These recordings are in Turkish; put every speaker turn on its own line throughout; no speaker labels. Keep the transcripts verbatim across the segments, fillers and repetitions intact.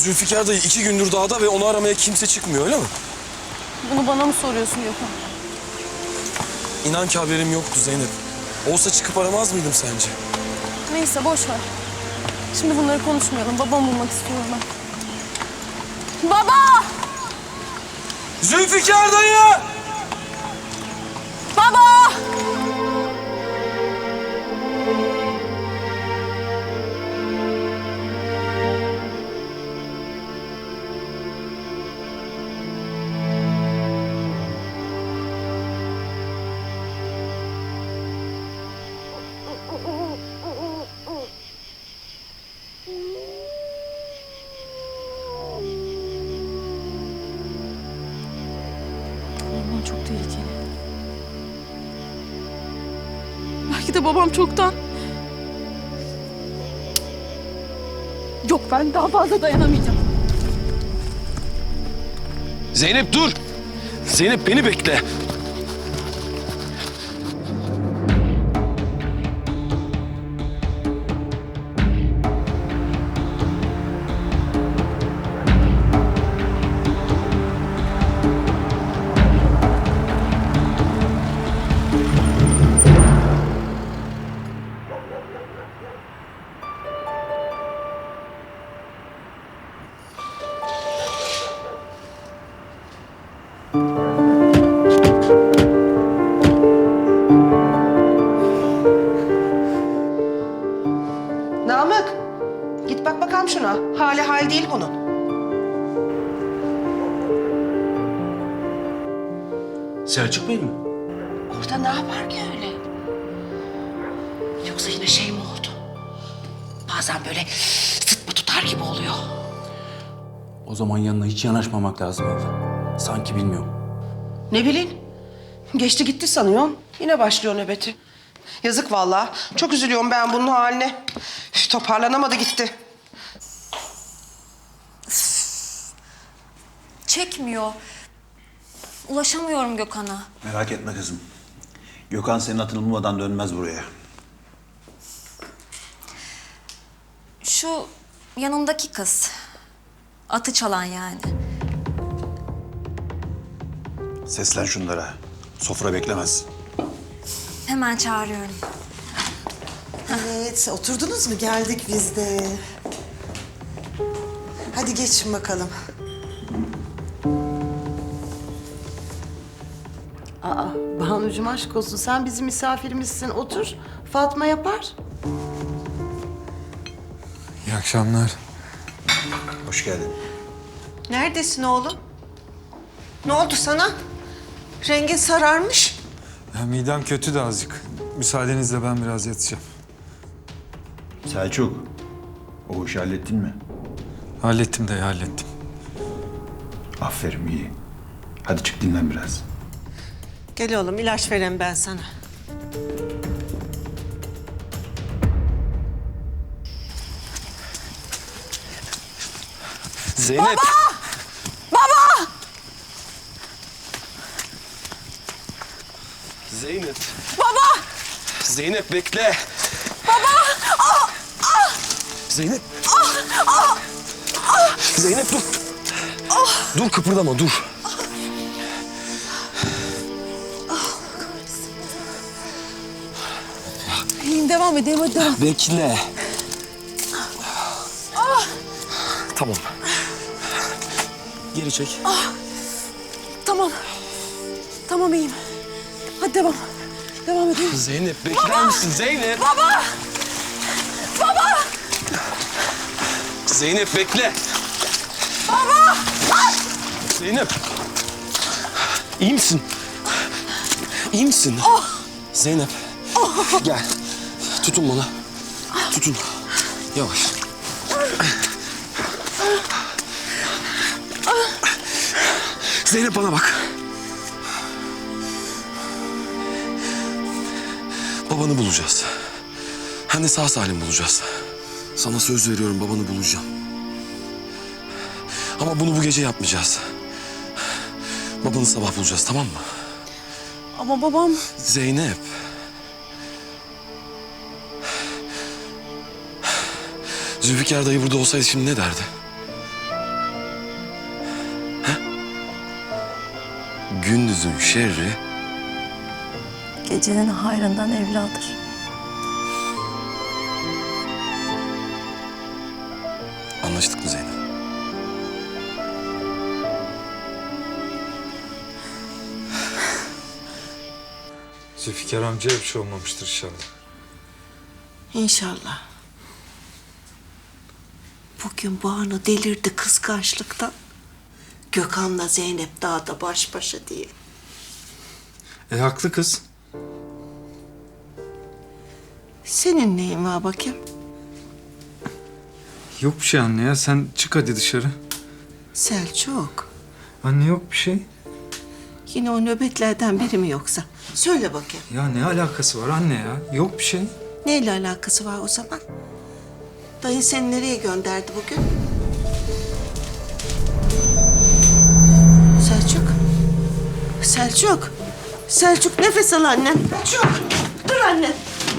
Zülfikar dayı iki gündür dağda ve onu aramaya kimse çıkmıyor, öyle mi?
Bunu bana mı soruyorsun Gökhan?
İnan ki haberim yoktu Zeynep. Olsa çıkıp aramaz mıydım sence?
Neyse boş ver. Şimdi bunları konuşmayalım. Babamı bulmak istiyorum ben. Baba!
Zülfikar dayı!
Baba! Orman çok tehlikeli. Belki de babam çoktan... Yok, ben daha fazla dayanamayacağım.
Zeynep dur! Zeynep beni bekle.
Namık, git bak bakalım şuna. Hali hal değil bunun.
Selçuk Bey mi?
Orada ne yapar ki öyle? Yoksa yine şey mi oldu? Bazen böyle sıtma tutar gibi oluyor.
O zaman yanına hiç yanaşmamak lazım abla. Sanki bilmiyorum.
Ne bileyim, geçti gitti sanıyorum. Yine başlıyor nöbeti. Yazık vallahi. Çok üzülüyorum ben bunun haline. Üf, toparlanamadı gitti.
Çekmiyor. Ulaşamıyorum Gökhan'a.
Merak etme kızım. Gökhan senin atını bulmadan dönmez buraya.
Şu yanındaki kız. Atı çalan yani.
Seslen şunlara. Sofra beklemez.
Hemen çağırıyorum.
Evet, oturdunuz mu? Geldik biz de. Hadi geçin bakalım. Aa, Banucuğum aşk olsun. Sen bizim misafirimizsin. Otur. Fatma yapar.
İyi akşamlar.
Hoş geldin.
Neredesin oğlum? Ne oldu sana? Rengin sararmış.
Ya midem kötü de azıcık. Müsaadenizle ben biraz yatacağım.
Selçuk, o işi hallettin mi?
Hallettim de hallettim.
Aferin, iyi. Hadi çık dinlen biraz.
Gel oğlum, ilaç vereyim ben sana.
Zeynep!
Baba! Baba!
Zeynep!
Baba!
Zeynep bekle!
Baba! Ah! Ah!
Zeynep!
Ah! Ah! Ah!
Zeynep dur!
Ah!
Dur kıpırdama dur.
İyiyim, devam edeyim, hadi devam.
Bekle. Tamam. Geri çek.
Tamam. Tamam, iyiyim. Hadi devam. Devam edeyim.
Zeynep bekler misin Zeynep?
Baba! Baba!
Zeynep bekle.
Baba!
Zeynep. İyi misin? İyi misin? Zeynep. Gel. Tutun bana. Tutun. Yavaş. Zeynep bana bak. Babanı bulacağız. Hem de sağ salim bulacağız. Sana söz veriyorum, babanı bulacağım. Ama bunu bu gece yapmayacağız. Babanı sabah bulacağız, tamam mı?
Ama babam...
Zeynep. Zülfikar dayı burada olsaydı şimdi ne derdi? gündüzün şerri
Gecenin hayrından evladır.
Anlaştık mı Zeynep?
Zülfikar amcaya bir şey olmamıştır inşallah.
İnşallah. Bugün Banu delirdi kıskançlıktan. Gökhan'la Zeynep dağda baş başa diye.
E haklı kız.
Senin neyin var bakayım?
Yok bir şey anne ya. Sen çık hadi dışarı.
Selçuk.
Anne yok bir şey.
Yine o nöbetlerden biri mi yoksa? Söyle bakayım.
Ya ne alakası var anne ya? Yok bir şey.
Neyle alakası var o zaman? Dayı seni nereye gönderdi bugün? Selçuk. Selçuk. Selçuk nefes al annem. Selçuk. Dur annem.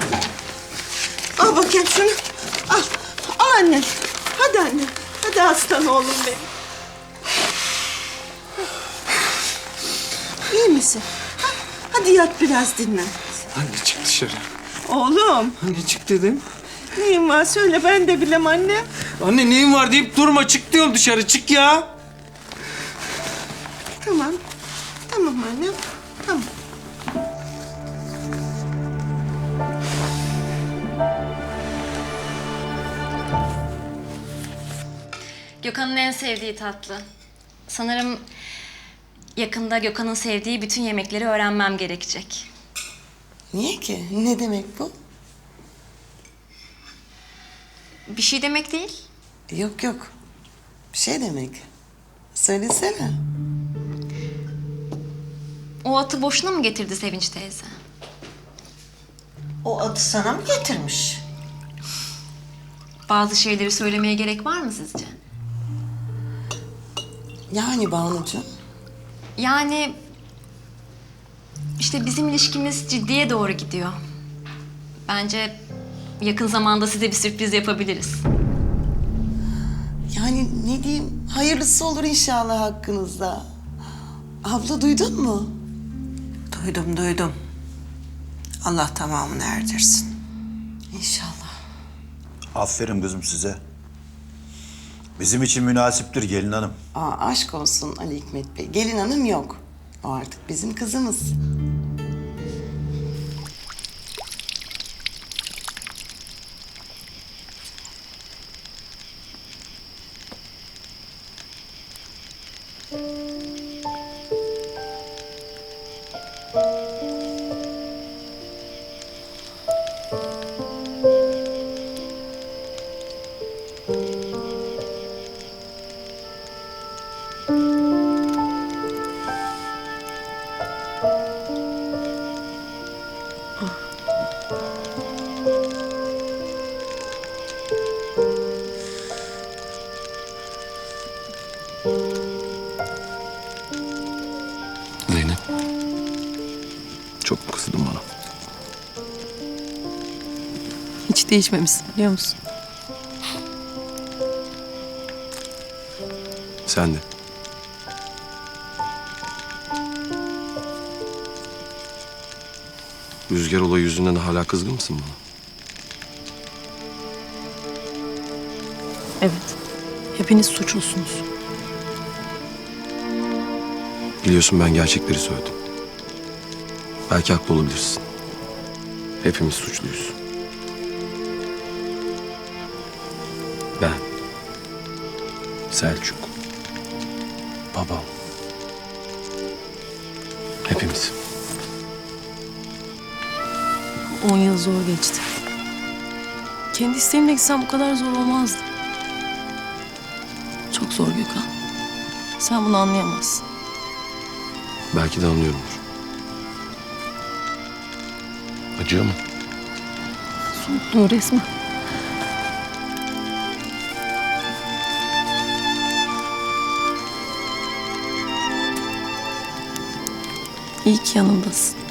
Al bakayım şunu. Al. Al annem. Hadi annem. Hadi aslan oğlum benim. İyi misin? Ha? Hadi yat biraz dinlen.
Anne çık dışarı.
Oğlum.
Anne çık dedim.
Neyin var söyle ben de bilem anne.
Anne neyin var deyip durma. Çık diyorum dışarı. Çık ya.
Tamam. Tamam annem. Tamam.
Gökhan'ın en sevdiği tatlı. Sanırım yakında Gökhan'ın sevdiği bütün yemekleri öğrenmem gerekecek.
Niye ki? Ne demek bu?
Bir şey demek değil.
Yok yok. Bir şey demek. Söylesene.
O atı boşuna mı getirdi Sevinç teyze?
O atı sana mı getirmiş?
Bazı şeyleri söylemeye gerek var mı sizce?
Yani Banucuğum.
Yani işte bizim ilişkimiz ciddiye doğru gidiyor. Bence yakın zamanda size bir sürpriz yapabiliriz.
Yani ne diyeyim? Hayırlısı olur inşallah hakkınızda. Abla duydun mu?
Duydum duydum. Allah tamamını erdirsin.
İnşallah.
Aferin kızım size. Bizim için münasiptir gelin hanım.
Aa, aşk olsun Ali Hikmet Bey. Gelin hanım yok. O artık bizim kızımız.
Zeynep. Çok mu kızdın bana?
Hiç değişmemişsin biliyor musun?
Sen de. Rüzgar olayı yüzünden hala kızgın mısın bana?
Evet. Hepiniz suçlusunuz.
Biliyorsun ben gerçekleri söyledim. Belki haklı olabilirsin. Hepimiz suçluyuz. Ben, Selçuk, babam. Hepimiz.
On yıl zor geçti. Kendi isteğimle gitsem bu kadar zor olmazdı. Çok zor Gökhan. Sen bunu anlayamazsın.
Belki de anlıyorumdur. Acıyor mu?
Soğukluğu resmen. İyi ki yanımdasın.